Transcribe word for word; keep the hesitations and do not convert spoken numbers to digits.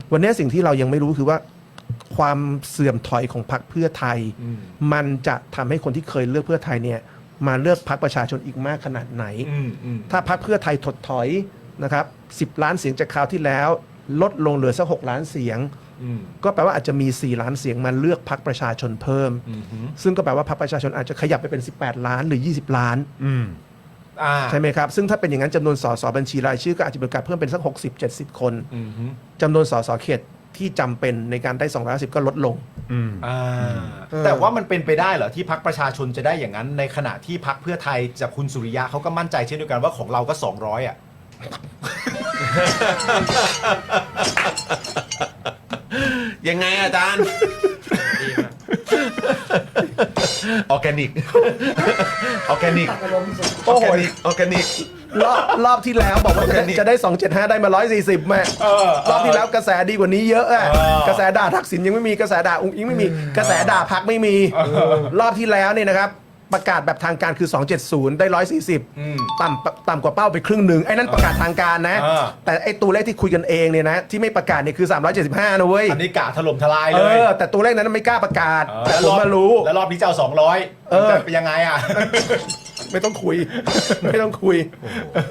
วันนี้สิ่งที่เรายังไม่รู้คือว่าความเสื่อมถอยของพรรคเพื่อไทย มันจะทำให้คนที่เคยเลือกเพื่อไทยเนี่ยมาเลือกพรรคประชาชนอีกมากขนาดไหน ถ้าพรรคเพื่อไทยถดถอยนะครับสิบล้านเสียงจากคราวที่แล้ว ลดลงเหลือสักหกล้านเสียงก็แปลว่าอาจจะมีสี่ล้านเสียงมาเลือกพรรคประชาชนเพิ่มซึ่งก็แปลว่าพรรคประชาชนอาจจะขยับไปเป็นสิบแปดล้านหรือยี่สิบล้านใช่ไหมครับซึ่งถ้าเป็นอย่างนั้นจำนวนสสบัญชีรายชื่อก็อาจจะมีโอกาสเพิ่มเป็นสักหกสิบ เจ็ดสิบคนจำนวนสสเขตที่จำเป็นในการได้สองร้อยห้าสิบก็ลดลงแต่ว่ามันเป็นไปได้เหรอที่พรรคประชาชนจะได้อย่างนั้นในขณะที่พรรคเพื่อไทยจากคุณสุริยะเขาก็มั่นใจเช่นเดียวกันว่าของเราก็สองร้อยอ่ะยังไงอาจารย์ออร์แกนิกออร์แกนิกออร์แกนิกออร์แกนิกรอบรอบที่แล้วบอกว่าจะจะได้สองร้อยเจ็ดสิบห้าได้มาหนึ่งร้อยสี่สิบแม่รอบที่แล้วกระแสดีกว่านี้เยอะอะกระแสด่าทักษิณยังไม่มีกระแสด่าอุ้งอิงไม่มีกระแสด่าพรรคไม่มีรอบที่แล้วเนี่ยนะครับประกาศแบบทางการคือสองร้อยเจ็ดสิบได้หนึ่งร้อยสี่สิบต่ำต่ำกว่าเป้าไปครึ่งหนึ่งไอ้นั่นประกาศทางการนะแต่ไอ้ตัวเลขที่คุยกันเองเนี่ยนะที่ไม่ประกาศเนี่ยคือสามร้อยเจ็ดสิบห้านะเว้ยอันนี้กะถล่มทลายเอเลยอแต่ตัวเลขนั้นไม่กล้าประกาศแต่ผมมารู้แล้วรอบนี้จะเอาสองร้อยจะเป็นยังไงอ่ะไม่ต้องคุยไม่ต้องคุย